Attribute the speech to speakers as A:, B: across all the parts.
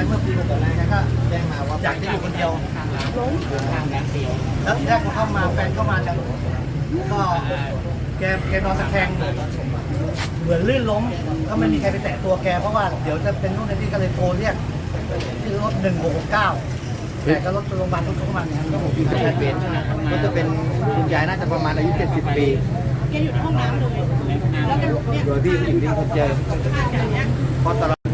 A: เมื่อปีก่อนแกก็แจ้งมาว่าอยากจะอยู่คนเดียวล้มทางน้ำเดียวแล้วทีแรกพอเข้ามาแฟนเข้ามาเนี่ยก็แกนอนตะแคงเหมือนลื่นล้มก็ไม่มีใครไปแตะตัวแกเพราะว่าเดี๋ยวจะเป็นนู่นนี่ก็เลยโทรเรียกที่รถ1669แต่ก็รถโรงพยาบาลรถเข้ามาเนี่ยก็ผมอยู่ที่เป็นก็จะเป็นคุณยายน่าจะประมาณอายุ70 ปี
B: แกอยู่ในห้องน้ำเลยแล้วแกลุกเนี่ย
A: โดยพี่ผู้หญิงที่เขาเจอเพราะตลอด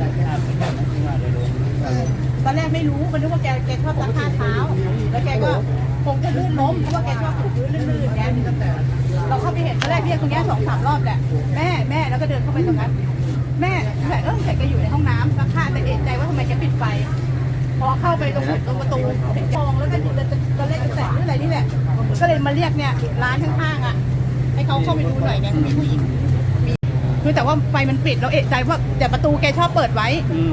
B: ตอนแรกไม่รู้มันนึกว่าแกชอบซักผ้าเท้าแล้วแกก็คงจะลื่นล้มเพราะว่าแกชอบถูพื้นลื่นๆแกเราเข้าไปเห็นตอนแรกเรียกตรงนี้2-3 รอบแหละแม่แล้วก็เดินเข้าไปตรงนั้นแม่แต่แกอยู่ในห้องน้ำซักผ้าแต่เอะใจว่าทำไมแกปิดไฟพอเข้าไปตรงประตูเห็นฟองแล้วก็ตอนแรกจะแตะหรืออะไรนี่แหละก็เลยมาเรียกเนี่ยร้านข้างๆอ่ะให้เขาเข้าไปดูหน่อยไงมีผู้หญิงคือแต่ว่าไฟมันปิดเราเอะใจว่าแต่ประตูแกชอบเปิดไว้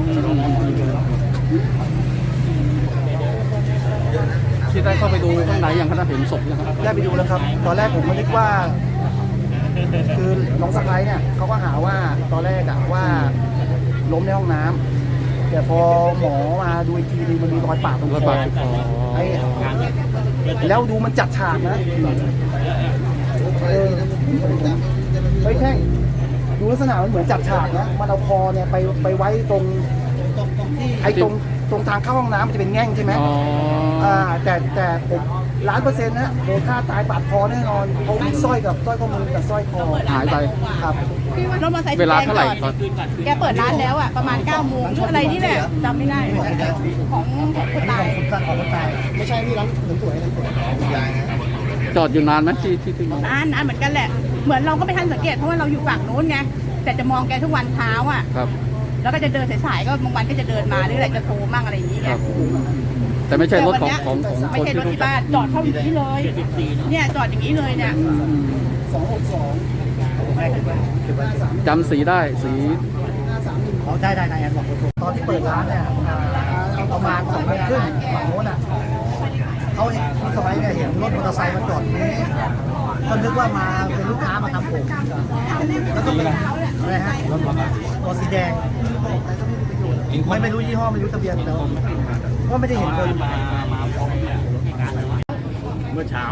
C: ที่ได้เข้าไปดูข้างในอย่างขณะเห็นศพนะครับ
A: ได้ไปดูแล้วครับตอนแรกผมก็นึกว่าคือน้องสะพ้ายเนี่ยเขาก็หาว่าตอนแรกอะว่าล้มในห้องน้ำแต่พอหมอมาดูอีกทีนึงมันมีรอยปากตรงคอไอ้แล้วดูมันจัดฉากนะเฮ้ยแท่งดูลักษณะมันเหมือนจัดฉากนะมันเอาคอเนี่ยไปไว้ตรงไอ้ตรงทางเข้าห้องน้ำมันจะเป็นแง่งใช่ไหมแต่ผม1,000,000%นะโดนฆ่าตายปาดคอแน่นอนเขาสร้อยข้อมือกับสร้อยคอ
C: หายไป
A: ครับ
B: รถมอเตอร์ไซค์
C: เวลาเท่าไหร่
B: แกเปิดร้านแล้วอ่ะประมาณ9 โมงชุดอะไรนี่แหละจำไม่ได้ของคนตาย
A: ไม่ใช่ที่ร้านสวย
C: จอดอยู่นานไหมที่
B: นานเหมือนกันแหละเหมือนเราก็ไม่ทันสังเกตเพราะว่าเราอยู่ฝั่งนู้นไงแต่จะมองแกทุกวันเช้าอ่ะแล้วก็จะเดินสายๆก็บางวันก็จะเดินมาหรืออะไรจะโทรมั่งอะไรอย่างนี้ไง
C: แต่ไม่ใช่รถของ
B: ไม่ใช่รถที่บ้านจอดเข้าอย่างนี้เลยเนี่ยจอดอย่างนี้เลยเนี่ย
A: 262
C: จำสีได้สี
A: เขาได้บอกตอนที่เปิดร้านเนี่ยประมาณ2 โมงครึ่งฝั่งโน้นอ่ะเขาที่สมัยเนี่ยเห็นรถมอเตอร์ไซค์มาจอดนี้ก็นึกว่ามาเป็นลูกค้ามาทำผมแล้วก็เป็นอะไรฮะตัวสีแดงไม่รู้ยี่ห้อไม่รู้ทะเบียนแต่ก็ไม่ได้เห็นคน
D: เมื่อเช้า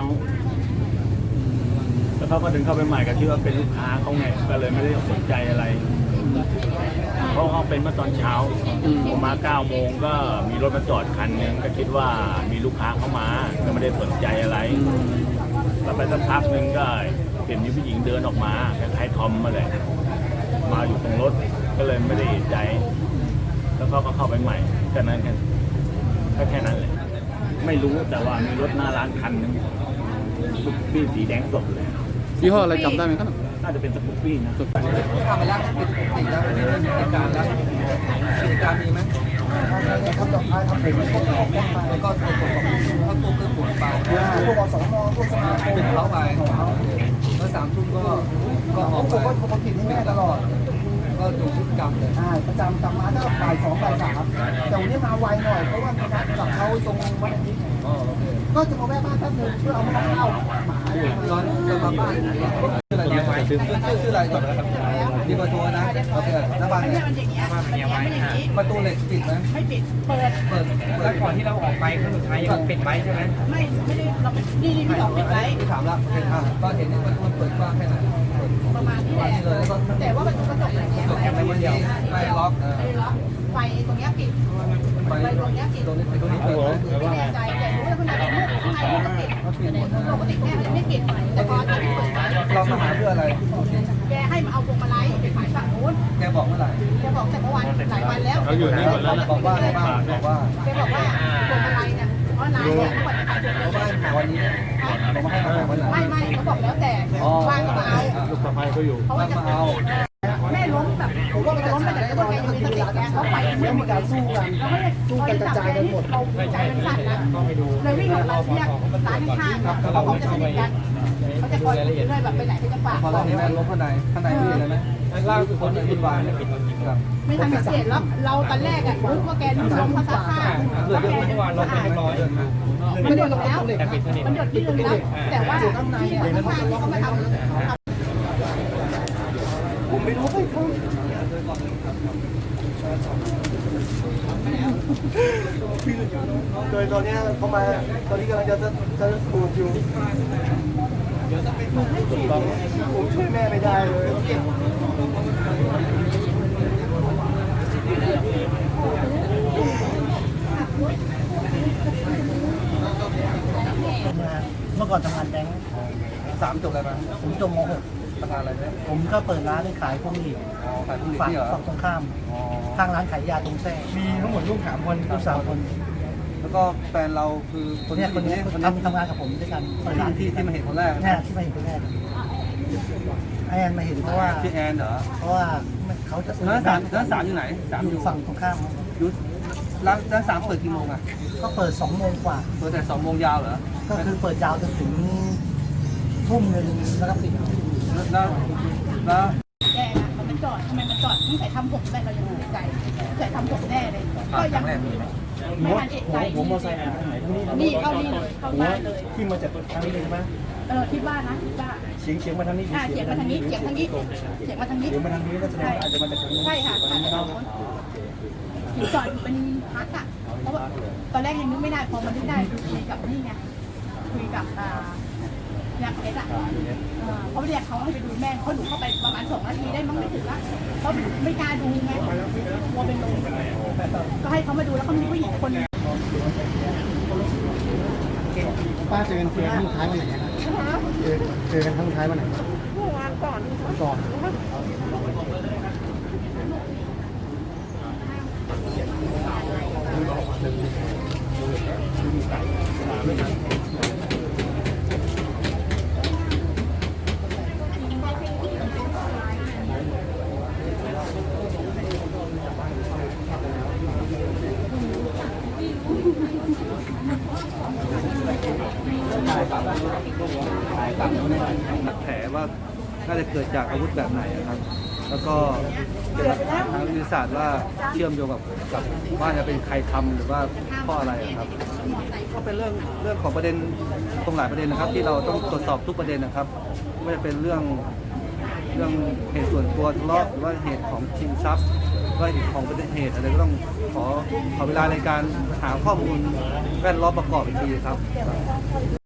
D: แล้วเขาก็ดึงเข้าไปใหม่ก็คิดว่าเป็นลูกค้าเขาไงก็เลยไม่ได้สนใจอะไรเพราะเขาเป็นเมื่อตอนเช้าผมมา9 โมงก็มีรถมาจอดคันนึงก็คิดว่ามีลูกค้าเข้ามาก็ไม่ได้สนใจอะไรแล้วไปสักพักนึงก็เห็นมีผู้หญิงเดินออกมาคล้ายๆทอมมาเลยมาอยู่ตรงรถก็เลยไม่ได้เอะใจแล้วเขาก็เข้าไปใหม่แค่นั้นแค่นั้นเลยไม่รู้แต่ว่ามีรถหน้าร้านคันนึงสกูปปี้สีแดงสดเลย
C: ยี่ห้ออะไรจำได้ไหมครับ
D: น่าจะเป็นสกูปปี้นะ
A: ทำมาแล้วปิดติดแล้วไม่ได้มีการแล้วกิจการมีไหมทำดอกไม้ทำผมพวกออกไปแล้วก็ตัวตัวเครื่องปวดไปพวกอสมพวกสมาคมเป็นเล้าไปแล้ว3 ทุ่มก็ออกไปผมก็ผิดให้แม่ตลอดก็ดูพฤติกรรมเลยประจำกลับมาก็บ่าย 2 บ่าย 3แต่วันนี้มาไวหน่อยเพราะว่านัดกับเขาตรงวันอาทิตย์ก็จะมาแวะบ้านแป๊บนึงเพื่อเอามาเข้าหมาตอนมาบ้านชื่ออะไรก่อนนะครับมีประตูนะโอเคหน้าบ้านเนี่ยประตูเหล็กปิดไหม
B: ไม่ปิดเปิด
A: แล้วก่อนที่เราออกไปครั้งสุดท้ายปิดไว้ใช่ไหม
B: ไม่ได้เรานี่พี่บอกปิดไว้
A: พี่ถามแล้วก็เห็นประตูเปิดกว้างแค่ไหน
B: ประมาณนี้แหละแต่ว่าประตูกระจกอะไรเงี้ย
A: ไม่ล็อก
B: ไฟตรงนี้ปิดไฟตรงนี้ปิด
A: ตรงนี้เปิด
B: ไม่แน่ใจแต่รู้ว่าขนาดมืดข้างในมันก็ปิดปกติแม่ไม่ปิดแต่พอตอนที่เปิด
A: เรามาหาเพื่ออะไร
B: แกให้มาเอาพวงมาลัยไปขายฝั่งนู้น
A: แกบอกเมื่อไหร่
B: แกบอกแต่เมื่อวานหลายวันแล้ว
D: เขาอยู่นี่หมดแล้ว
A: บอกว่าอะไรบ้างบอกว่า
B: แกบอกว่าพวงมาลัยเนี่ยเพราะนายเนี่ยเขาบอกจะขายพวงมาลัย
A: วันนี้เรามาให้มาวันไหน
B: ไม่เขาบอกแล้วแต่ว่างก็มาเอา
D: ลูกสะใภ้เขาอยู่
B: เพราะว่าจะเอาแม่ล้มแบบผมว่าล้มไปแต่ก็แกอยู่ในสติแกเขาไป
A: ไม่มีการสู้กันกระจายกันหมด
B: เราใจเป็นสั่นนะเลยวิ่งออกมาเรียกร้านข้างๆเขาจะสนิทกันเขาจะคอยเรื่อยแบบไปไหนเขาจะฝาก
A: พอเราเนี่ยล้มข้างในพี่เลยไหมล่าสุดคนที่ปิดวาน
B: ไม่ทันสังเกตแล้วเราตอนแรกอะรู้ว่าแกล้มเขาซักผ้า
A: เหลือเยอะเมื่อวานเราเป็นร้อย
B: มันหยดแล้วมันหยดที่ลึกแล้วแต่ว่าที่ข้างที่เขามาทำ
A: ผมไม่รู้ใครทำโดยตอนนี้เขามาตอนนี้กำลังจะปลูกอยู่ผมช่วยแม่ไม่ได้เลย
E: เมื่อก่อนทำงานแบงค์
A: 3 จบอะไรมา
E: ผมจบม
A: ทำงานอะไรเนี่ย
E: .6 ผมก็เปิดร้านขายพวกนี้
A: อ๋อขายผลิต
E: ฝั่ง
A: นี่เหรอ
E: ฝั่งตรงข้าม
A: อ๋อ
E: ข้างร้านขายยาตรงแท้มีทั้งหมดลูก3 คนลูก3 คน
A: แล้วก็แฟนเราคือคน
E: คนนี้
A: คน
E: ทำงานกับผมด้วยกันเปิดร้าน
A: ที่มาเห็นคนแรก
E: เนี่ยที่มาเห็นคนแรกไอแอนมาเห็นเพราะว่า
A: ชื่อแอนเหรอ
E: เพราะว่าเขาจะ
A: ร้านสามอยู่ไหน3
E: อยู่ฝั่งตรงข้าม
A: อยู่ร้าน3เปิดกี่โมงอ่ะ
E: ก็เปิด2 โมงกว่า
A: เปิดแต่2 โมงยาวเหรอ
E: ก็คือเปิดยาวจนถึงทุ่มหนึ่งแล้วก็ปิด
A: แล้ว
B: แกนะมันจอดทำไมมันจอดตั้งแต่ทำผมแต่เรายังติดใจแต่ทำผมแน่เลยก็ยังไม่ทันเอกใจผมมอไซค์นี่เข้านี่เลยเข้าบ้านเลย
E: ที่มาจากทางนี้เลยใช่ไหม
B: คิดว่านะคิดว่า
E: เฉียงมาทางนี้
B: เฉียงมาทางนี้เฉียงทางนี้เฉียงมาทางนี้
E: เฉียงมาทางนี้ก็แสดงว่าอาจจะมาจากทางนู้น
B: ใช่ค่ะอาจจะถึงจอดอยู่เป็นพักอ่ะเพราะว่าตอนแรกยังนึกไม่ได้พอมันนึกได้คุยกับนี่ไงคุยกับยักษ์เพชรอ่ะเพราะเรียกเขาให้ไปดูแม่เขาหนูเข้าไปประมาณ2 นาทีได้มั้งไม่ถึงละเขาไม่กล้าดูไงกลัวเป็นลมก็ให้เขามาดูแล้วเขามีผู้หญิงคนนึง
E: ป้าเจอกันครั้งท้ายวันไหนครับเจอกันครั้งท้ายวันไหน
B: เมื่อวานก่อน
E: ก่อน
A: แผลว่าน่าจะเกิดจากอาวุธแบบไหนครับ แล้วก็ทางวิทยาศาสตร์ว่าเชื่อมโยงกับว่าจะเป็นใครทำหรือว่าเพราะอะไรครับก็เป็นเรื่องของประเด็นตรงหลายประเด็นนะครับ ที่เราต้องตรวจสอบทุกประเด็นนะครับไม่ว่าจะเป็นเรื่องเหตุส่วนตัวทะเลาะหรือว่าเหตุของชิงทรัพย์ว่าเหตุของประเด็นเหตุอะไรก็ต้องขอเวลาในการหาข้อมูลแวดล้อมประกอบอีกทีครับ